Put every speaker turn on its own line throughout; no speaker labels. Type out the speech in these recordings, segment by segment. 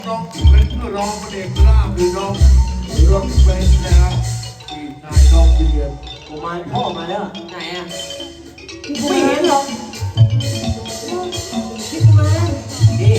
ร้องเป็นร้องเพลงราบหรือร้องเป็นนะครับที่นายร้องเรียน
กุมารพ่อมาแล้ว
ไหนอ่ะ
ไม่เห็นหรอก
พี่กุมาร
นี่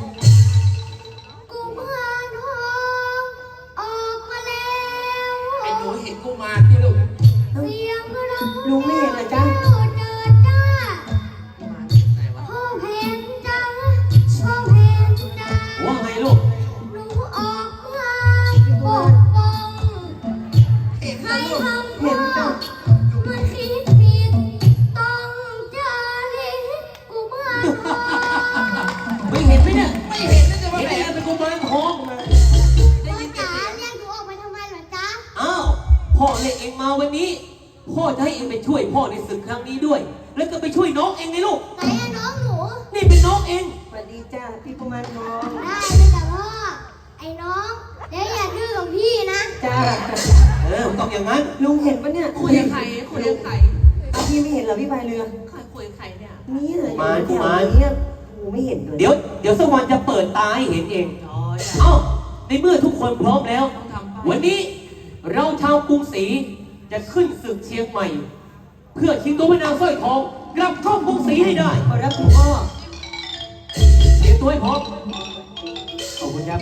กุมารทองออกมาแล้ว
ไอ้หนูเห็นกุมารที่ลูก
เสียงร้อง
ลุงไม่เห็นเหรอจ๊ะ
เจิดจ้า
กุมารไหนวะ
พ่อเพนจ้าพ่อเพนจ้า
ว่าไงลูก
หนูออกมาปกป้อง
เห็น
ใคร
ลูก
ทำพ่อมันคิดผิดต้องจาริกกุมารทอง
ไม่เห็นไหมเนี่ย
ไม่เห็นน่าจะมา
เห็น
แห
ได้
ล
ไง
ม
เป็นกุมารทองมา
ได้
พ่อ
ยิน
จ๋า
เสียง
เรียกหนูออกมาทำไมเหรอจ๊ะ
อ้าวพ่อเรียกเองมาวันนี้ พ่อจะให้เองไปช่วยพ่อในศึกครั้งนี้ด้วย แล้วก็ไปช่วยน้องเองไงลูก
ไหนอะน้องหนู
นี่เป็นน้องเอง
สวัสดีจ้าพี่กุมารทอง
ได้เลยจ้ะพ่อ ไอ้น้องเดี๋ยวอย่าดื้อกับพี่นะ
จ้า
ต้องอย่างนั้น
ลุงเห็นปะเนี่ย
คุยกับใครคุยกับใคร
เอาพี่ไม่เห็นเหรอพี่พายเรือ
ใครคุยกับใครเนี่ย
นี่เลย
กุมาร
เนี่ยโอ้ไม่เห็นเลย
เดี๋ยวสักวันจะเปิดตาให้เห็นเอง
จอย
เอ้า ในเมื่อทุกคนพร้อมแล้ว
ต้องทำไป
วันนี้เราชาวกรุงศรีจะขึ้นศึกเชียงใหม่ เพื่อชิงตัวพระนางสร้อยทองกลับเข้ากรุงศรีให้ได้
ขอรับคุณพ่อ
เตรียมตัวให้พร้อมขอบคุณครับ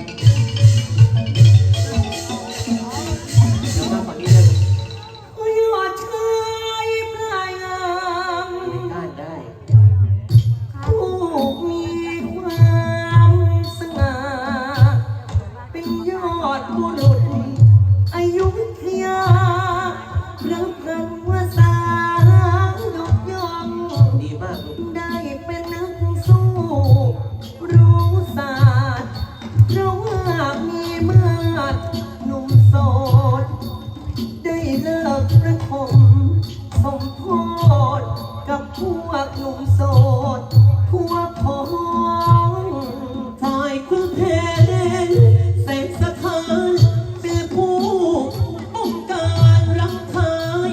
แล้วมาฝั่งนี้เลย
ยอดชายพลายงาม
ได้
ผู้มีความสง่าเป็นยอดบุรุษอยุธยารับกันว่าสาวดกยอง
ดีมากลูก
ได้เป็นนักสู้รู้ศาสตร์เพราะว่ามีมาดหนุ่มโสด ได้เลิกประทมสมโพธกับพวกหนุ่มโสดพวกพ้อง
ฝ่ายคุณเพนเสกสถานเป็นผู้ป้องกันรักทาย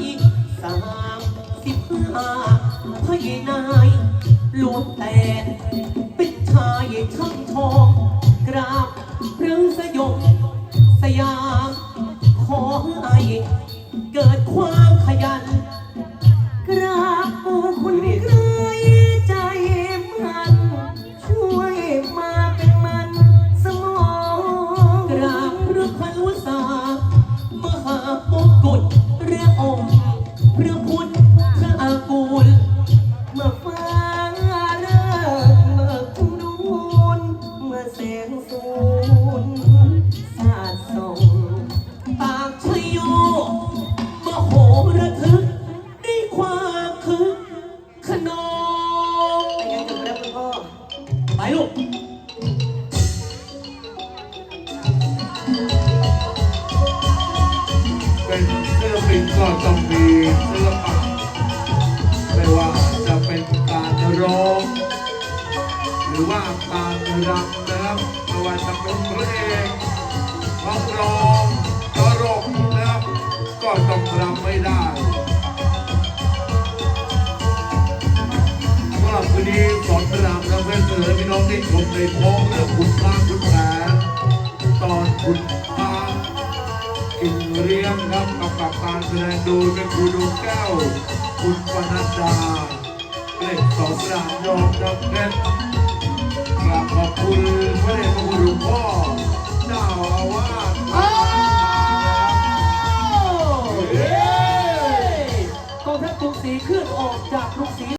35พยนายล้วนแต่เป็นชายช่างทองกราบพระสยบสยามขอให้เกิดความขยัน
กราบปูคุณเคยใจมันช่วยมาเป็นมันสมอง
กราบพระพันวษามหามงกุฎเรือองค์พระพุทธพระอากูล
เมื่อฟ้าเลิกเมื่อคุณนูนเมื่อแสงสูนสาดส่อง
ปากชยโยมโหระทึกด้วยความคึกขนอง
ไปกันจุดแล้วคุณพ่อ
ไปลูก
เป็นศิลปินก็ต้องมีศิลปะไม่ว่าจะเป็นการร้องหรือว่าการรำนะครับไม่ว่าจะเป็นเพลงนักร้องตลกนะครับก็ต้องรำไม่ได้สำหรับวันนี้สอนรำและเพื่อนเสนอพี่น้องที่ชมในท้องเรื่องขุนช้างขุนแผนตอนขุนช้างกินเรียงครับกับการแสดงโดยเป็นครูดวงแก้วคุณปนัดดาเล่นสอนรำยอมจำเพชรกราบขอบคุณพระเดชพระคุณหลวงพ่อเจ้าอาวาส
กองทัพกรุงศรีเคลื่อนออกจากกรุงศรี